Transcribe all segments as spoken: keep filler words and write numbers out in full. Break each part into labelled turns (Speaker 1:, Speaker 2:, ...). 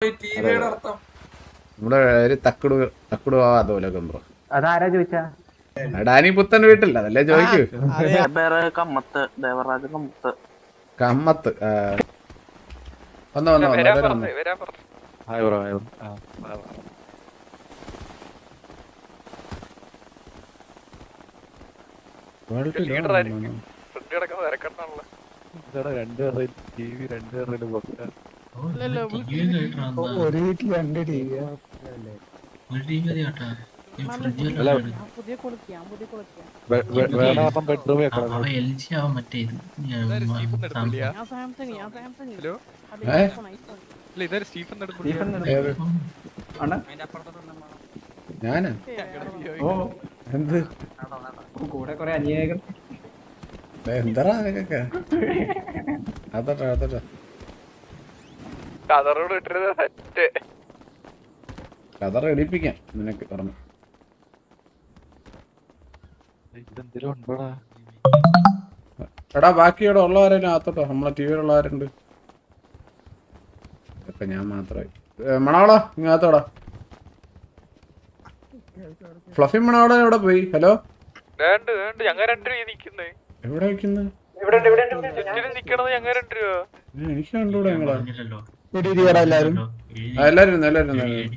Speaker 1: നമ്മുടെ ഒരു തക്കുടു തക്കുടു ആവാതെ ബ്രോ.
Speaker 2: അതാരാ ചോദിച്ചാ?
Speaker 1: ഡാനി പുത്തൻ വീട്ടില്ല, അതല്ലേ ചോദിക്കൂ.
Speaker 3: കമ്മത്ത് ദേവരാജ കമ്മത്ത്
Speaker 1: കമ്മത്ത് വന്നോ വന്നോ വന്നോ.
Speaker 4: ഒരു വീട്ടിൽ രണ്ട് ടി വി
Speaker 1: ഞാനാ എന്ത്
Speaker 2: കൂടെ കൊറേ അനിയകൾ
Speaker 1: എന്താ അതൊക്കെ അതട്ടെ അതട്ടെ കഥറ എടിപ്പിക്കാം നിനക്ക് പറഞ്ഞു. എടാ ബാക്കി ഇവിടെ ഉള്ളവരെല്ലാം ആത്തോട്ടോ, നമ്മളെ ടി വിയിലുള്ളവരുണ്ട്. ഇതൊക്കെ ഞാൻ മാത്രമായി. മണാവളോ ഇങ്ങാത്തോടാ. ഫ്ലഫി മണാവളോ എവിടെ പോയി? ഹലോ എവിടെ വെക്കുന്നത്? എനിക്ക് കണ്ടൂടെ നിങ്ങളെ?
Speaker 4: എല്ലാരും
Speaker 1: എല്ലാരും എല്ലാരും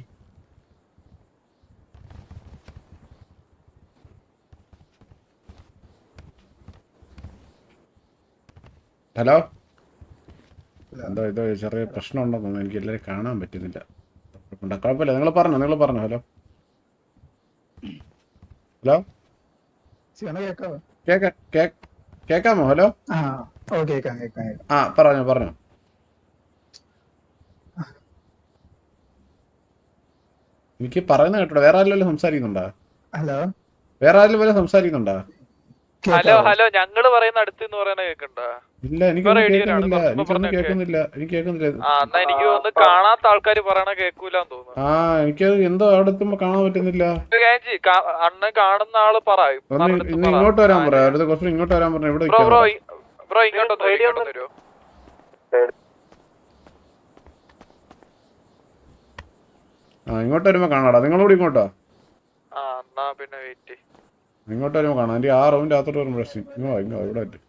Speaker 1: ഹലോ. എന്തോ ഇതോ ചെറിയ പ്രശ്നം ഉണ്ടെന്ന് തോന്നുന്നു, എനിക്ക് എല്ലാവരും കാണാൻ പറ്റുന്നില്ല. കുഴപ്പമില്ല, നിങ്ങൾ പറഞ്ഞോ നിങ്ങൾ പറഞ്ഞോ. ഹലോ ഹലോ കേക്ക കേക്കാമോ? ഹലോ ആ പറഞ്ഞോ പറഞ്ഞോ. എനിക്ക് പറയുന്ന കേട്ടോ. വേറെ ആരെങ്കിലും സംസാരിക്കുന്നുണ്ടോ?
Speaker 4: ഹലോ
Speaker 1: വേറെ ആരെങ്കിലും വല്ല സംസാരിക്കുന്നുണ്ടോ?
Speaker 5: ഹലോ ഹലോ ഞങ്ങള് പറയുന്ന അടുത്ത് പറയണ കേക്കണ്ട?
Speaker 1: ഇല്ല എനിക്കൊന്നും കേൾക്കുന്നില്ല, എനിക്കൊന്നും കേൾക്കുന്നില്ല, എനിക്ക് കേൾക്കുന്നില്ല.
Speaker 5: എനിക്ക് തോന്നുന്നു കാണാത്ത ആൾക്കാര് പറയണ കേക്കൂലെന്ന് തോന്നുന്നു.
Speaker 1: ആ എനിക്കത് എന്തോ അവിടെ എത്തുമ്പോ കാണാൻ പറ്റുന്നില്ല.
Speaker 5: അണ്ണൻ കാണുന്ന ആള് പറയും.
Speaker 1: ഇങ്ങോട്ട് വരാൻ പറയാം, അടുത്ത കുറച്ച് ഇങ്ങോട്ട് വരാൻ പറഞ്ഞു. ഇവിടെ
Speaker 5: ബ്രോ ബ്രോ ബ്രോ ഇങ്ങോട്ട് വരുമോ?
Speaker 1: ആ ഇങ്ങോട്ട് വരുമ്പോ കാണാടാ. നിങ്ങളോട് ഇങ്ങോട്ടോ?
Speaker 5: ആ എന്നാ പിന്നെ വെയിറ്റ്.
Speaker 1: ഇങ്ങോട്ട് വരുമ്പോ കാണാം. എന്റെ ആ റൂമിന്റെ അകത്തോട്ട് വരുമ്പോ ഇങ്ങോ ഇങ്ങോ ഇവിടെ പറ്റും.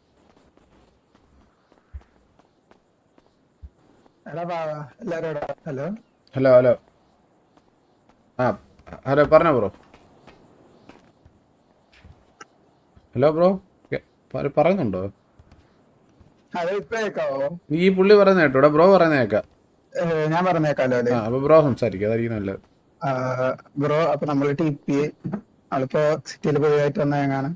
Speaker 4: ഹലോ
Speaker 1: ഹലോ ഹലോ ആ ഹലോ പറഞ്ഞോ ബ്രോ. ഹലോ ബ്രോ പറയുന്നുണ്ടോ? നീ ഈ പുള്ളി പറയുന്ന കേട്ടോ? ഇവിടെ ബ്രോ പറയുന്ന കേക്കാം.
Speaker 4: ഞാൻ പറഞ്ഞേക്കാലോ അല്ലേ?
Speaker 1: അപ്പൊ ബ്രോ സംസാരിക്കും, അതായിരിക്കും നല്ലത്.
Speaker 4: ബ്രോ അപ്പൊ നമ്മള് ടി പി ആളിപ്പോ സിറ്റിയിൽ പുതിയതായിട്ട് വന്നേങ്ങാണ്.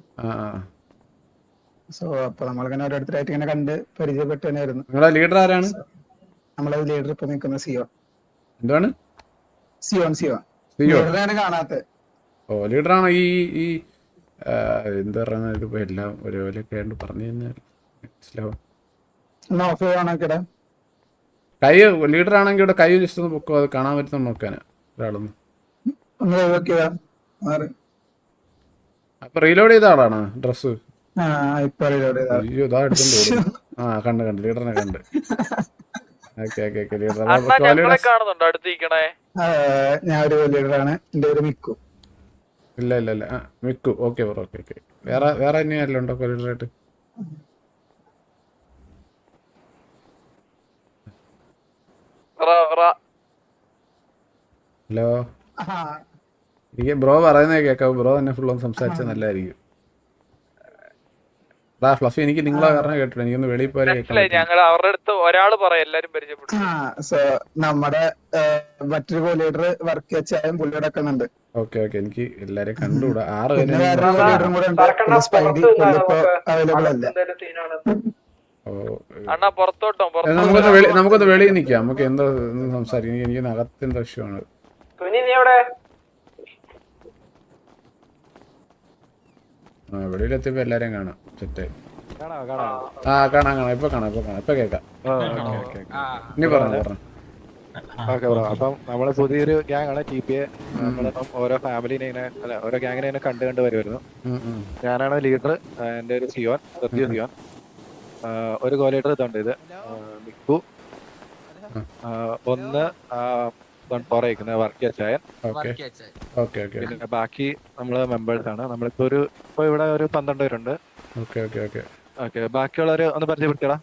Speaker 4: സോ അപ്പൊ നമ്മളിങ്ങനെ ഓരോരുത്തരായിട്ട് ഇങ്ങനെ കണ്ട് പരിചയപ്പെട്ടു തന്നെയായിരുന്നു.
Speaker 1: നിങ്ങളെ ലീഡർ ആരാണ്?
Speaker 4: നമ്മളെ ലീഡർ ഇപ്പൊ നിൽക്കുന്ന സിയോൺ.
Speaker 1: എന്താണ്?
Speaker 4: സിയോൺ സിയോൺ ലീഡറാണ് കാണാത്ത.
Speaker 1: ഓ ലീഡറാണ്. ഈ ഈ എന്താ പറയുന്നത്, ഇതിപ്പോ എല്ലാം ഒരേപോലെയൊക്കെ ആയിട്ട് പറഞ്ഞു കഴിഞ്ഞാൽ മനസ്സിലാവും. കൈ ലീഡർ ആണെങ്കിൽ ഇവിടെ കൈ ജസ്റ്റ് ഒന്ന് പൊക്കോ, അത് കാണാൻ പറ്റുന്ന നോക്കാനാ ഒരാളൊന്ന്. അപ്പൊ റീലോഡ് ചെയ്ത ആളാണ് ഡ്രസ്? അയ്യോ ഇതാ എടുത്തോണ്ട് ഓടും. ആ കണ്ട് കണ്ട് ലീഡറിനെ കണ്ട്. ഇല്ല ഇല്ല ഇല്ല Mikku. Okay bro okay okay. വേറെ വേറെ തന്നെയല്ലോ ഉണ്ടോ ലീഡറായിട്ട്? ഹലോ എനിക്ക് ബ്രോ പറയുന്നത് കേൾക്കാം. ബ്രോ തന്നെ ഫുള്ളും സംസാരിച്ചാൽ നല്ലതായിരിക്കും. ഫ്ലഫി എനിക്ക് നിങ്ങളെ കാരണം കേട്ടോ, എനിക്കൊന്ന് വെളിയിൽ പോലെ
Speaker 5: ഞങ്ങൾ അവരുടെ അടുത്ത് ഒരാള് പറയാം, എല്ലാരും പരിചയപ്പെട്ടു.
Speaker 4: നമ്മുടെ മറ്റൊരു ലീഡർ വർക്ക് വെച്ചാലും പുള്ളി നടക്കുന്നുണ്ട്.
Speaker 1: ഓക്കെ ഓക്കെ എനിക്ക് എല്ലാരെയും കണ്ടുകൂടാ. ആറ്
Speaker 4: അവൈലബിൾ അല്ല.
Speaker 1: നമുക്കൊന്ന് നമുക്കൊന്ന് വെളിയിൽ നിൽക്കാം. നമുക്ക് എന്തോ സംസാരിക്കും. എനിക്ക് അകത്തിന്റെ വിഷയമാണ്. ആ വെളിയിലെത്തിയപ്പോ എല്ലാരെയും കാണാം. സെറ്റ്. ആ കാണാം കാണാം. ഇപ്പൊ കാണാം ഇപ്പൊ കാണാം ഇപ്പൊ കേക്കാം. ഇനി പറഞ്ഞു പറഞ്ഞു.
Speaker 6: Okay bro. അപ്പം നമ്മള് പുതിയൊരു ഗ്യാങ് ആണ് ടി പി എ. നമ്മളിപ്പം ഓരോ ഫാമിലിനെ ഇങ്ങനെ അല്ല ഓരോ ഗ്യാങ്ങിനെ ഇങ്ങനെ കണ്ടു കണ്ട് വരുമായിരുന്നു. ഞാനാണ് ലീഡർ. എന്റെ ഒരു സിയോൻ സിയോൻ. ഒരു കോ ലീഡർ ഇതുണ്ട്. ഇത് മിക്കു ഒന്ന് പുറയിക്കുന്ന വർക്ക് ചായൻ.
Speaker 1: ഓക്കെ ഓക്കെ ഓക്കെ
Speaker 6: പിന്നെ ബാക്കി നമ്മള് മെമ്പേഴ്സ് ആണ്. നമ്മളിപ്പോ ഒരു ഇപ്പൊ ഇവിടെ ഒരു പന്ത്രണ്ട് പേരുണ്ട്.
Speaker 1: ഓക്കെ ഓക്കെ ഓക്കെ
Speaker 6: ഓക്കെ ബാക്കിയുള്ളവര് ഒന്ന് പരിചയപ്പെടുത്തിയടാ.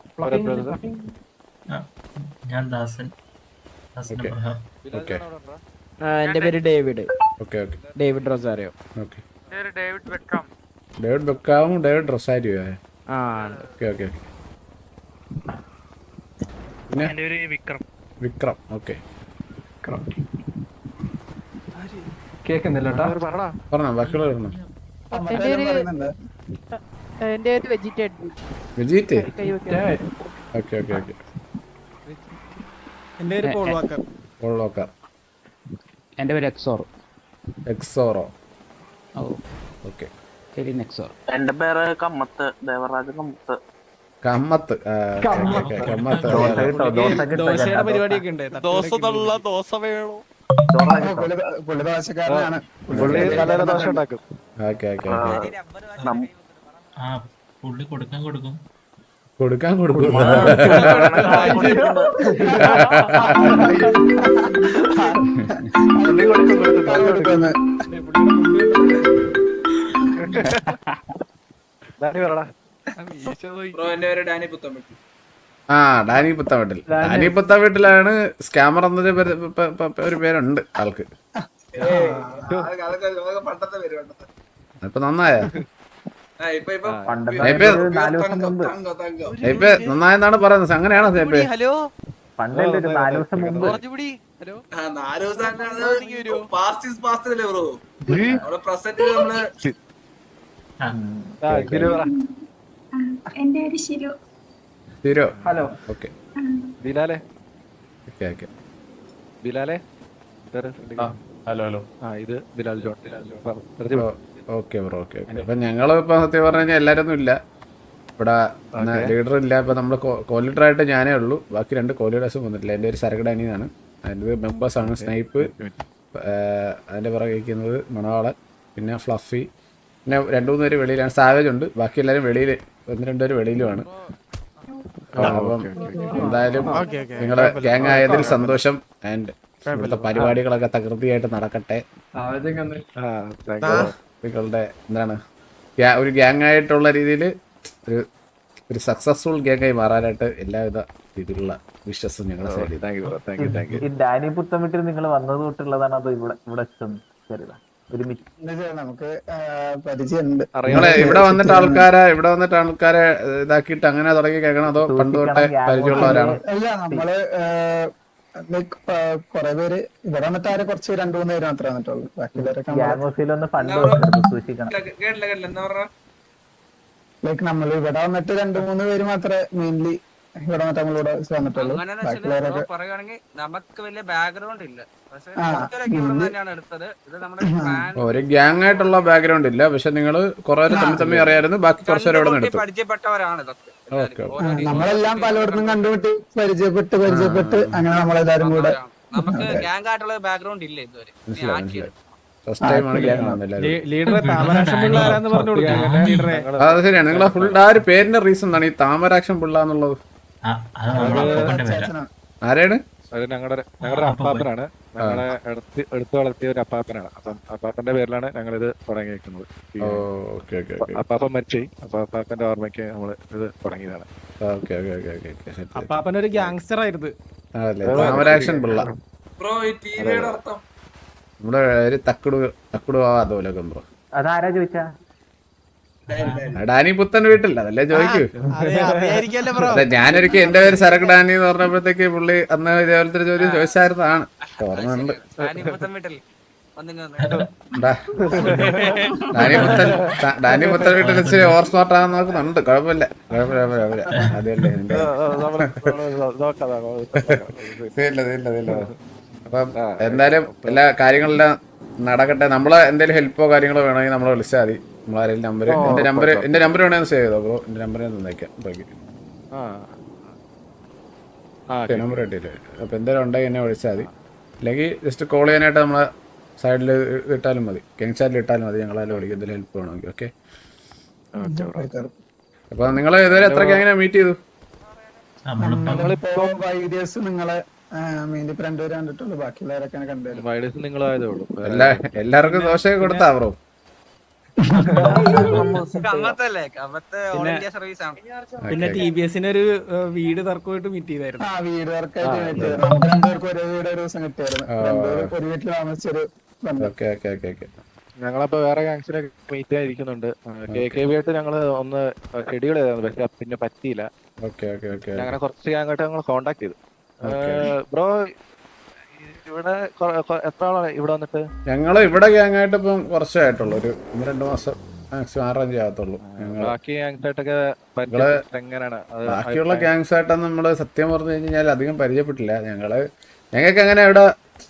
Speaker 7: ഞാൻ ദാസൻ.
Speaker 1: ഓക്കെ ഓക്കെ
Speaker 8: എന്റെ പേര് David.
Speaker 1: Okay okay
Speaker 8: David Rosario.
Speaker 1: Okay
Speaker 5: David Beckham.
Speaker 1: David ബെക്കാമും ഡേവിഡ് റൊസാരിയോ.
Speaker 8: ആ
Speaker 1: ഓക്കെ ഓക്കെ പിന്നെ
Speaker 5: വിക്രം.
Speaker 1: വിക്രം. ഓക്കെ
Speaker 2: കേക്കുന്നില്ല കേട്ടോ.
Speaker 6: പറഞ്ഞടാ.
Speaker 1: പറഞ്ഞോ ബാക്കിയുള്ള പറഞ്ഞോ.
Speaker 4: പറയുന്നുണ്ട്
Speaker 8: എന്റെ പേര് വെജിറ്റേറിയൻ.
Speaker 1: വിജീറ്റ്. ഓക്കെ ഓക്കെ ഓക്കെ
Speaker 8: എന്റെ പേര് പോൾ വാക്കർ.
Speaker 1: Paul Walker.
Speaker 8: എന്റെ പേര് എക്സോർ.
Speaker 1: എക്സോറോ.
Speaker 8: ഓ
Speaker 1: ഓക്കെ
Speaker 8: ശരി എക്സോർ.
Speaker 3: എന്റെ പേര് കമ്മത്ത് ദേവരാജ് കമ്മത്ത്.
Speaker 1: കമ്മത്ത്. ആ, ഓക്കെ, ഓക്കെ, കമ്മത്ത്.
Speaker 8: ദോശയുടെ പരിപാടിയൊക്കെ ഉണ്ട്.
Speaker 5: ദോശ തള്ള ദോശ വേണോ?
Speaker 4: പുള്ളി പുള്ളി ദോശക്കാരനാണ്.
Speaker 6: പുള്ളി നല്ല ദോശ ഉണ്ടാക്കും.
Speaker 1: ഓക്കെ ഓക്കെ ഓക്കെ
Speaker 7: ആ പുള്ളി കൊടുക്കാൻ കൊടുക്കും.
Speaker 1: കൊടുക്കാൻ കൊടുക്കും.
Speaker 6: പുള്ളി കൊടുക്കും കൊടുക്കും നല്ല കൊടുക്കും. ഡാനി പറടാ.
Speaker 1: ആ ഡാനി പുത്തവീട്ടിൽ. ഡാനി പുത്തവീട്ടിലാണ് സ്കാമർ എന്നൊരു പേര്- പ- പ- പ- ഒരു പേരുണ്ട് ആൾക്ക്. ഇപ്പൊ നന്നായ ഇപ്പൊ നന്നായെന്നാണ് പറയുന്നത്. അങ്ങനെയാണോ സേപ്പേ?
Speaker 5: ഹലോ
Speaker 2: പണ്ടല്ലേ ഒരു നാല് ദിവസം മുമ്പ്
Speaker 5: കുറച്ചുകൂടി. ഹലോ
Speaker 6: ആ ഇതില് പറ.
Speaker 9: എന്റെ പേര് ശിരു.
Speaker 1: തീരോ?
Speaker 2: ഹലോ.
Speaker 1: ഓക്കെ
Speaker 6: ബിലാലെ.
Speaker 1: ഓക്കെ ഓക്കെ
Speaker 6: ബിലാലെ.
Speaker 1: Hello hello.
Speaker 6: ആ ഇത് ബിലാൽ ജോൺ. പറ, പരിചയം.
Speaker 1: Okay bro. ഓക്കെ ഓക്കെ അപ്പൊ ഞങ്ങള് ഇപ്പൊ സത്യം പറഞ്ഞു കഴിഞ്ഞാൽ എല്ലാരും ഒന്നും ഇല്ല ഇവിടെ. ലീഡർ ഇല്ല. ഇപ്പൊ നമ്മള് കോ ലീഡർ ആയിട്ട് ഞാനേ ഉള്ളൂ. ബാക്കി രണ്ട് കോ ലീഡേഴ്സും വന്നിട്ടില്ല. എൻ്റെ ഒരു സരകടാനിയാണ്. അതിൻ്റെ മെമ്പേഴ്സ് ആണ് സ്നൈപ്പ്, അതിന്റെ പുറകെ ഇരിക്കുന്നത് മണവാളൻ, പിന്നെ ഫ്ലഫി, പിന്നെ രണ്ടു മൂന്ന് പേര് വെളിയിലാണ്. സാവേജ് ഉണ്ട്. ബാക്കി എല്ലാവരും വെളിയിൽ, ഒന്ന് രണ്ടുപേര് വെളിയിലുമാണ്. അപ്പം എന്തായാലും നിങ്ങളുടെ ഗ്യാങ് ആയതിൽ സന്തോഷം. ആൻഡ് ഇവിടുത്തെ പരിപാടികളൊക്കെ തകൃതിയായിട്ട് നടക്കട്ടെ.
Speaker 6: ആ താങ്ക് യു.
Speaker 1: നിങ്ങളുടെ എന്താണ് ഗ്യാ- ഒരു ഗ്യാങ് ആയിട്ടുള്ള രീതിയിൽ ഒരു ഒരു സക്സസ്ഫുൾ ഗ്യാങ് ആയി മാറാനായിട്ട് എല്ലാവിധ രീതിയിലുള്ള വിശ്വസും ഞങ്ങളുടെ സൈഡിൽ.
Speaker 6: Thank you thank you thank you.
Speaker 2: ഈ ഡാനി പുത്തം വീട്ടിൽ നിങ്ങൾ വന്നത് തൊട്ടുള്ളതാണ് അതോ ഇവിടെ ഇവിടെ ചെറുതാ ഒരുമിച്ച്?
Speaker 4: എന്താ വെച്ചാ നമുക്ക് പരിചയമുണ്ട്.
Speaker 1: നിങ്ങളെ ഇവിടെ വന്നിട്ട് ആൾക്കാരെ ഇവിടെ വന്നിട്ട് ആൾക്കാരെ ഇതാക്കിയിട്ട് അങ്ങനെ തുടങ്ങി കേൾക്കണം, അതോ പണ്ട് തൊട്ടേ പരിചയമുള്ളവരാണ്?
Speaker 4: അല്ല നമ്മള് ലൈക്ക് കൊറേ പേര് ഇവിടെ വന്നിട്ട് ആരെ കുറച്ച് രണ്ടു മൂന്ന് പേര് മാത്രമേ വന്നിട്ടുള്ളൂ. ബാക്കിയുള്ളവരൊക്കെ
Speaker 2: ഗ്യാങ്സിലൊന്ന് ഫണ്ട് വെച്ചെടുത്ത് സൂക്ഷിക്കണം.
Speaker 4: ലൈക്ക് നമ്മൾ ഇവിടെ വന്നിട്ട് രണ്ടു മൂന്ന് പേര് മാത്രമേ മെയിൻലി ഇവിടെ വന്നിട്ട് നമ്മളിവിടെ വന്നിട്ടുള്ളൂ. ബാക്കിയുള്ളവരൊക്കെ
Speaker 10: പറയുകയാണെങ്കിൽ നമുക്ക് വലിയ ബാക്ക്ഗ്രൗണ്ട് ഇല്ല. പക്ഷെ
Speaker 4: ആ,
Speaker 10: തന്നെയാണ് എടുത്തത്. ഇത് നമ്മുടെ പ്ലാൻ
Speaker 1: ഒരു ഗ്യാങ് ആയിട്ടുള്ള ബാക്ക്ഗ്രൗണ്ട് ഇല്ല, പക്ഷെ നിങ്ങള് കുറെ തമ്മിൽ തമ്മിൽ അറിയായിരുന്നു. ബാക്കി കുറച്ചുപേരെ ഇവിടെ നിന്ന് എടുത്തു.
Speaker 10: പരിചയപ്പെട്ടവരാണ് ഇതൊക്കെ.
Speaker 1: ഓക്കെ
Speaker 4: ആ, നമ്മളെല്ലാം പലയിടത്തും കണ്ടുപിട്ട് പരിചയപ്പെട്ട് പരിചയപ്പെട്ട് അങ്ങനെ നമ്മളെല്ലാരും കൂടെ
Speaker 10: നമുക്ക് ഗ്യാങ് ആയിട്ടുള്ള ബാക്ക്ഗ്രൗണ്ട് ഇല്ല ഇതുവരെ. ഇനി ആക്കിയത്
Speaker 1: ഫസ്റ്റ് ടൈമാണ് ഗ്യാങ് വന്നില്ല.
Speaker 8: ലീഡറെ താമരാക്ഷം പിള്ള ആരാന്ന് പറഞ്ഞു കൊടുക്കാം. ലീഡറെ
Speaker 1: അത് ശരിയാണ്. നിങ്ങളെ ഫുൾ ആ ഒരു പേരിന്റെ റീസൺ എന്താണ് ഈ താമരാക്ഷൻ പിള്ള എന്നുള്ളത്?
Speaker 7: ആ, അത് നമ്മുടെ അപ്പൂപ്പന്റെ പേരാ.
Speaker 1: ആരാണ്?
Speaker 6: അത് ഞങ്ങളുടെ ഞങ്ങളുടെ അപ്പാപ്പനാണ്. ഞങ്ങളെ എടുത്ത് എടുത്തു വളർത്തിയ ഒരു അപ്പാപ്പനാണ്. അപ്പം അപ്പാപ്പന്റെ പേരിലാണ് ഞങ്ങളിത് തുടങ്ങിയിരിക്കുന്നത്.
Speaker 1: ഓക്കെ ഓക്കെ ഓക്കെ
Speaker 6: അപ്പാപ്പൻ മരിച്ചു. അപ്പൊ അപ്പാപ്പന്റെ ഓർമ്മയ്ക്ക് നമ്മൾ ഇത് തുടങ്ങിയതാണ്.
Speaker 1: Okay okay okay okay okay
Speaker 8: അപ്പാപ്പനൊരു ഗ്യാങ്സ്റ്റർ ആയിരുന്നു.
Speaker 1: അതല്ലേ താമരാക്ഷൻ പിള്ള. നമ്മുടെ ഒരു തക്കുടു തക്കുടു ആവാതോലൊക്കെ ബ്രോ.
Speaker 2: അതാരാ ചോദിച്ചാ?
Speaker 1: ഡാനി പുത്തൻ വീട്ടില്ല, അതല്ലേ ചോദിക്കൂ. അതെ ഞാനൊരിക്കൽ എന്റെ പേര് സരക്ക് ഡാനി എന്ന് പറഞ്ഞപ്പോഴത്തേക്ക് പുള്ളി അന്ന് ഇതേപോലത്തെ ഒരു ചോദ്യം ചോദിച്ചായിരുന്നതാണ്. ഓർമ്മയുണ്ട്.
Speaker 10: ഡാനി പുത്തൻ വീട്ടിൽ ഒന്നിങ്ങ്
Speaker 1: ഡാ. ഡാനി പുത്തൻ ഡാനി പുത്തൻ വീട്ടിൽ ഇച്ചിരി ഓവർ സ്മാർട്ട് ആകാൻ നോക്കുന്നുണ്ട്. കുഴപ്പമില്ല കുഴപ്പമില്ല കുഴപ്പമില്ല. അതല്ലേ നിന്റെ തീരില്ല തീരില്ല തീരില്ല. അപ്പം എന്തായാലും എല്ലാ കാര്യങ്ങളെല്ലാം നടക്കട്ടെ. നമ്മളെ എന്തെങ്കിലും ഹെൽപ്പോ കാര്യങ്ങളോ വേണമെങ്കിൽ നമ്മളെ വിളിച്ചാൽ മതി. നമ്മളാരെങ്കിലും നമ്പർ എന്റെ നമ്പർ എന്റെ നമ്പർ വേണമെങ്കിൽ സേവ് ചെയ്തോ ബ്രോ. എന്റെ നമ്പർ ഞാൻ തന്നേക്കാം. നമ്പർ കിട്ടിയില്ലേ? അപ്പൊ എന്തെങ്കിലും ഉണ്ടെങ്കിൽ എന്നെ വിളിച്ചാൽ മതി. അല്ലെങ്കിൽ ജസ്റ്റ് കോൾ ചെയ്യാനായിട്ട് നമ്മളെ സൈഡിൽ ഇട്ടാലും മതി, കിങ് ചാറ്റിൽ ഇട്ടാലും മതി. ഞങ്ങളാലും വിളിക്കും എന്തെങ്കിലും ഹെൽപ്പ് വേണമെങ്കിൽ. ഓക്കെ. അപ്പൊ നിങ്ങൾ ഇതുവരെ എത്ര ഗ്യാങ്ങിനെ മീറ്റ് ചെയ്തു?
Speaker 7: നമ്മളിപ്പോ
Speaker 4: നമ്മളിപ്പോ വൈദ്യേഴ്സ് നിങ്ങളെ മീൻ ഇപ്പൊ രണ്ടുപേരും കണ്ടിട്ടുള്ളൂ, ബാക്കിയുള്ളവരൊക്കെ കണ്ടുവരും.
Speaker 6: വൈഡേഴ്സ് നിങ്ങളായതേ ഉള്ളൂ.
Speaker 1: എല്ലാ എല്ലാവർക്കും ദോശയൊക്കെ കൊടുത്താ ബ്രോ?
Speaker 10: കമ്മത്തല്ലേ കമ്മത്ത് ഓൾ ഇന്ത്യ സർവീസ് ആണ്.
Speaker 8: പിന്നെ ടി ബി എസിന് ഒരു ഏഹ്, വീട് തർക്കമായിട്ട് മീറ്റ് ചെയ്തായിരുന്നു.
Speaker 4: ആ വീട് വർക്കായിട്ട് കിട്ടിയത് നമുക്ക് രണ്ടുപേർക്കും ഒരേ വീട് ഒരു ദിവസം കിട്ടിയായിരുന്നു. രണ്ടുപേരും ഒരു വീട്ടിൽ താമസിച്ചൊരു ബന്ധം.
Speaker 1: ഓക്കെ ഓക്കെ ഓക്കെ ഓക്കെ
Speaker 6: ഞങ്ങളപ്പോ വേറെ ഗാങ്സിനെ മീറ്റ് ആയിരിക്കുന്നുണ്ട്. കെ കെ ബി ആയിട്ട് ഞങ്ങള് ഒന്ന് ഷെഡ്യൂൾ ചെയ്തായിരുന്നു, പക്ഷെ പിന്നെ പറ്റിയില്ല.
Speaker 1: ഓക്കെ ഓക്കെ ഓക്കെ
Speaker 6: അങ്ങനെ കുറച്ച് ഗ്യാങ്ങായിട്ട് ഞങ്ങൾ കോണ്ടാക്ട് ചെയ്തു.
Speaker 1: Okay.
Speaker 6: ബ്രോ ഇവിടെ കൊ- കൊ- എത്ര ആളാണ് ഇവിടെ വന്നിട്ട്?
Speaker 1: ഞങ്ങള് ഇവിടെ ഗ്യാങ്ങായിട്ട് ഇപ്പം കുറച്ചായിട്ടുള്ളൂ, ഒരു ഒന്ന് രണ്ട് മാസം മാക്സിമം ആറഞ്ച് ആകത്തുള്ളൂ. ഞങ്ങള്
Speaker 6: ബാക്കി ഗ്യാങ്സ് ആയിട്ടൊക്കെ പരിചയപ്പെട്ടിട്ട് എങ്ങനെയാണ് അത്?
Speaker 1: ബാക്കിയുള്ള ഗ്യാങ്സ് ആയിട്ടൊന്നും നമ്മള് സത്യം പറഞ്ഞു കഴിഞ്ഞാൽ അധികം പരിചയപ്പെട്ടില്ല. ഞങ്ങള് ഞങ്ങൾക്ക് അങ്ങനെ ഇവിടെ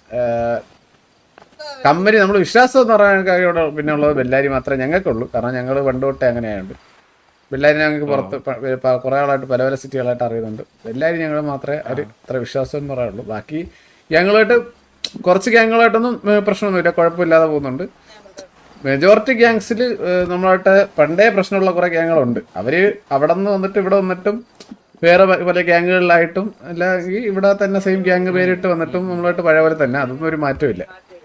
Speaker 1: കമ്പനി നമ്മൾ വിശ്വാസം എന്ന് പറയാൻ ഇവിടെ പിന്നെ ഉള്ളത് ബെല്ലാരി മാത്രമേ ഞങ്ങൾക്കുള്ളൂ. കാരണം ഞങ്ങൾ പണ്ട് തൊട്ടേ അങ്ങനെയായുണ്ട്. ബെല്ലാരി ഞങ്ങൾക്ക് പുറത്ത് കുറെ ആളായിട്ട് പല പല സിറ്റികളായിട്ട് അറിയുന്നുണ്ട്. ബെല്ലാരി ഞങ്ങൾ മാത്രമേ ഒരു ഇത്ര വിശ്വാസം എന്ന് പറയാനുള്ളൂ. ബാക്കി ഗ്യാങ്ങുകളായിട്ട് കുറച്ച് ഗ്യാങ്ങുകളായിട്ടൊന്നും പ്രശ്നമൊന്നുമില്ല, കുഴപ്പമില്ലാതെ പോകുന്നുണ്ട്. മെജോറിറ്റി ഗ്യാങ്സിൽ നമ്മളായിട്ട് പണ്ടേ പ്രശ്നമുള്ള കുറെ ഗ്യാങ്ങുകളുണ്ട്. അവര് അവിടെ നിന്ന് വന്നിട്ട് ഇവിടെ വന്നിട്ടും വേറെ പല ഗ്യാങ്ങുകളിലായിട്ടും അല്ലെങ്കിൽ ഇവിടെ തന്നെ സെയിം ഗ്യാങ് പേരിട്ട് വന്നിട്ടും നമ്മളായിട്ട് പഴയ പോലെ തന്നെ, അതൊന്നും ഒരു മാറ്റമില്ല.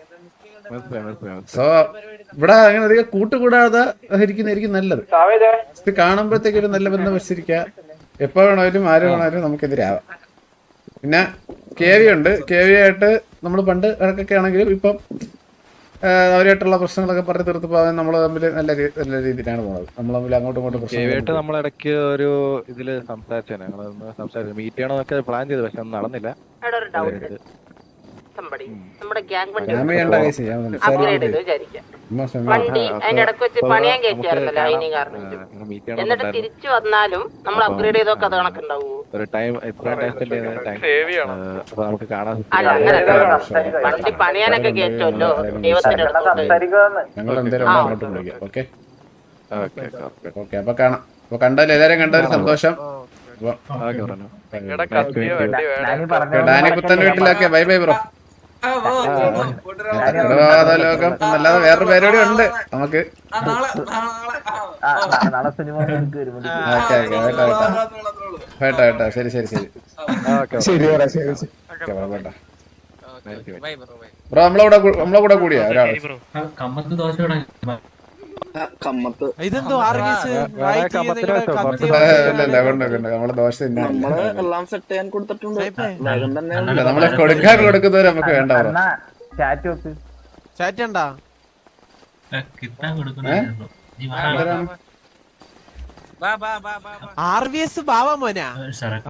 Speaker 1: സോ ഇവിടെ അങ്ങനെ അധികം കൂട്ടുകൂടാതെ ഇരിക്കുന്നതായിരിക്കും നല്ലത്. ഇത് കാണുമ്പോഴത്തേക്ക് ഒരു നല്ല ബന്ധം വെച്ചിരിക്കുക. എപ്പോ വേണമായാലും ആര് വേണമായാലും നമുക്കെതിരാവാം. പിന്നെ കെ വി ഉണ്ട്. കെ വി ആയിട്ട് നമ്മൾ പണ്ട് ഇടക്കൊക്കെ ആണെങ്കിലും ഇപ്പം അവരായിട്ടുള്ള പ്രശ്നങ്ങളൊക്കെ പറഞ്ഞ് തീർത്ത് പോകാൻ നമ്മൾ തമ്മിൽ നല്ല നല്ല രീതിയിലാണ് പോകുന്നത്. നമ്മൾ തമ്മിൽ അങ്ങോട്ടും ഇങ്ങോട്ടും
Speaker 6: പ്രശ്നം നമ്മളിടയ്ക്ക് ഒരു ഇതില് സംസാരിച്ചു, ഞങ്ങൾ സംസാരിച്ചു മീറ്റ് ചെയ്യണമെന്നൊക്കെ പ്ലാൻ ചെയ്തു, പക്ഷെ ഒന്നും നടന്നില്ല.
Speaker 11: നമ്മുടെ ഗ്യാങ് വണ്ടി
Speaker 1: ഞാൻ ചെയ്യേണ്ട കേസ് ചെയ്യാൻ
Speaker 11: അപ്ഗ്രേഡ് ചെയ്ത് വിചാരിക്കാം. വണ്ടി അതിന്റെ ഇടക്ക് വെച്ച് പണിയാൻ കയറ്റിയായിരുന്നല്ലോ അതിന് കാരണം. എന്നിട്ട് തിരിച്ചു വന്നാലും നമ്മൾ അപ്ഗ്രേഡ് ചെയ്തൊക്കെ അത് കണക്കുണ്ടാവൂ.
Speaker 6: ഒരു ടൈം എത്ര അപ്പൊ നമുക്ക് കാണാൻ
Speaker 11: അല്ല അങ്ങനെ വണ്ടി പണിയാനൊക്കെ കയറ്റുമല്ലോ ദൈവത്തിന്റെ അടുത്തോട്ട്.
Speaker 1: ഞങ്ങൾ എന്തായാലും അങ്ങോട്ട് വിളിക്കാം. ഓക്കെ ഓക്കെ അപ്പൊ കാണാം. അപ്പൊ കണ്ടാലും എല്ലാരും കണ്ട ഒരു സന്തോഷം. ഡാനി പുത്തൻ വീട്ടിലൊക്കെ ബൈ ബൈ ബ്രോ. ലോകം അല്ലാതെ വേറൊരു പരിപാടി ഉണ്ട് നമുക്ക്.
Speaker 2: നാളെ സിനിമ വരുമ്പോൾ
Speaker 1: ഓക്കെ ഓക്കെ കേട്ടോ കേട്ടോ കേട്ടോ ശരി ശരി ശരി ബ്രോ. നമ്മളെ കൂടെ നമ്മളെ കൂടെ കൂടിയാ ഒരാള്
Speaker 7: കമ്മത്ത് ദോശ
Speaker 3: കമ്മത്ത്
Speaker 8: ഇതെന്തോ
Speaker 1: ഇല്ല കൊണ്ടൊക്കെ നമ്മളെ ദോശ തിന്നാ
Speaker 3: നമ്മള് എല്ലാം സെറ്റ് ചെയ്യാൻ കൊടുത്തിട്ടുണ്ട്. വേഗം തന്നെ
Speaker 1: അല്ല നമ്മളെ കൊടുക്കാൻ കൊടുക്കുന്നവര് നമുക്ക് വേണ്ട ബ്രോ.
Speaker 2: ചാറ്റ് വെക്ക്.
Speaker 8: ചാറ്റ് ഉണ്ടാ
Speaker 7: കിട്ടാൻ കൊടുക്കുന്നു.
Speaker 10: ബാ ബാ ബാ ബാ
Speaker 8: ആർ വി എസ് ബാബ മോനാ.